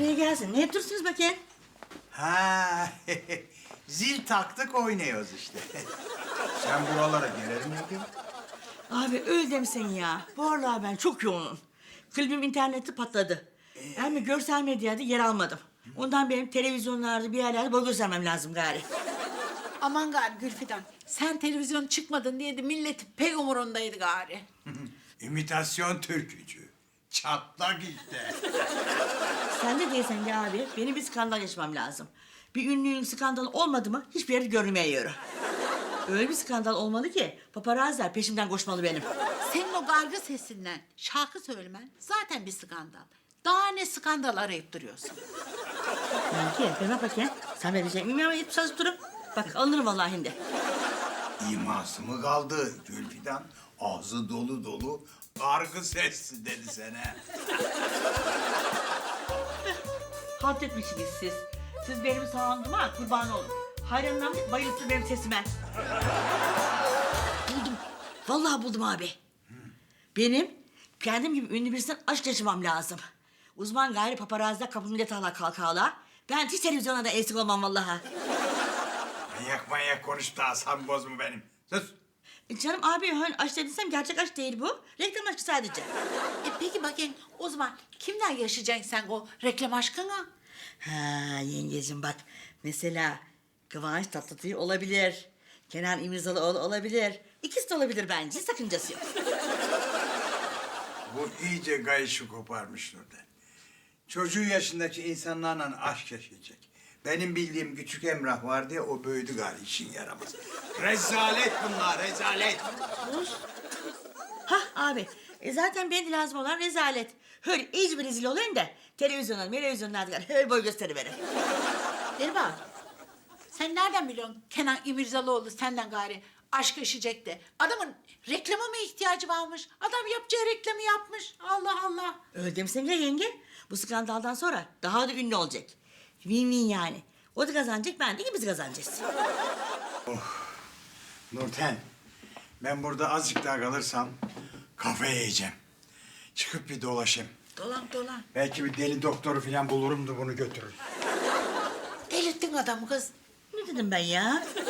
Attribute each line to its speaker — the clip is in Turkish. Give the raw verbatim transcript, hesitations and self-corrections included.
Speaker 1: Kolay gelsin. Ne yapıyorsunuz bakayım?
Speaker 2: Ha, zil taktık oynuyoruz işte. Sen buralara gelir miydin?
Speaker 1: Abi öyle demisin ya. Bu aralar ben çok yoğunum. Klibim internette patladı. Yani görsel medyada yer almadım. Ondan benim televizyonlarda bir yerlerde boy göstermem lazım gari.
Speaker 3: Aman gari Gülfidan, sen televizyon çıkmadın diye de milletin pek umurundaydı gari.
Speaker 2: İmitasyon türkücü. Çatlak işte.
Speaker 1: Sen de değilsen ya abi. Benim bir skandal yaşamam lazım. Bir ünlünün skandalı olmadı mı hiçbir yerde görünmüyor. Öyle bir skandal olmalı ki paparazziler peşimden koşmalı benim.
Speaker 3: Senin o gargı sesinden şarkı söylemen zaten bir skandal. Daha ne skandal arayıp duruyorsun?
Speaker 1: Belki ben bakayım. Sen verecek miyim ama yetip çalışıp durup. Bak alınırım vallahi şimdi.
Speaker 2: İması mı kaldı Gülfidan? Ağzı dolu dolu. Kargı sesli dedi sana.
Speaker 1: Halt etmişsiniz siz. Siz benim sağlığıma kurban olun. Hayranlarım bayıldı benim sesime. Buldum. Vallahi buldum abi. Benim kendim gibi ünlü birisinden aşk yaşamam lazım. Uzman gayri paparazziler kapımı millet hala kalkala. Ben hiç televizyona da eksik olmam vallahi.
Speaker 2: Manyak manyak konuştu asam bozma benim. Sus.
Speaker 1: E canım abi hani aşk dediysem gerçek aşk değil bu. Reklam aşkı sadece.
Speaker 3: E peki bakayım o zaman kimden yaşayacaksın sen o reklam aşkını?
Speaker 1: Ha yengecim bak. Mesela Kıvanç Tatlıtuğ olabilir. Kenan İmirzalıoğlu olabilir. İkisi de olabilir bence. Hiç sakıncası yok.
Speaker 2: Bu iyice gayışı koparmış Nurten. Çocuğu yaşındaki insanlarla aşk yaşayacak. Benim bildiğim küçük Emrah vardı ya, o büyüdü galiba, işin yaramaz. Rezalet bunlar, rezalet.
Speaker 1: Hah abi. E zaten benim de lazım olan rezalet. Öyle iyice bir rezil olayım da televizyonlar, televizyonlarda öyle boy gösteriverin.
Speaker 3: Derba, sen nereden biliyorsun Kenan İmirzalıoğlu senden gari aşk yaşayacak de? Adamın reklama mı ihtiyacı varmış? Adam yapacağı reklamı yapmış. Allah Allah.
Speaker 1: Öyle demişsin ya yenge. Bu skandaldan sonra daha da ünlü olacak. Win-win yani. O da kazanacak, ben de ikimiz kazanacağız.
Speaker 2: Nurten, ben burada azıcık daha kalırsam kafayı yiyeceğim. Çıkıp bir dolaşayım.
Speaker 3: Dolan dolan.
Speaker 2: Belki bir deli doktoru falan bulurum da bunu götürür.
Speaker 3: Delirttin adamı kız.
Speaker 1: Ne dedim ben ya?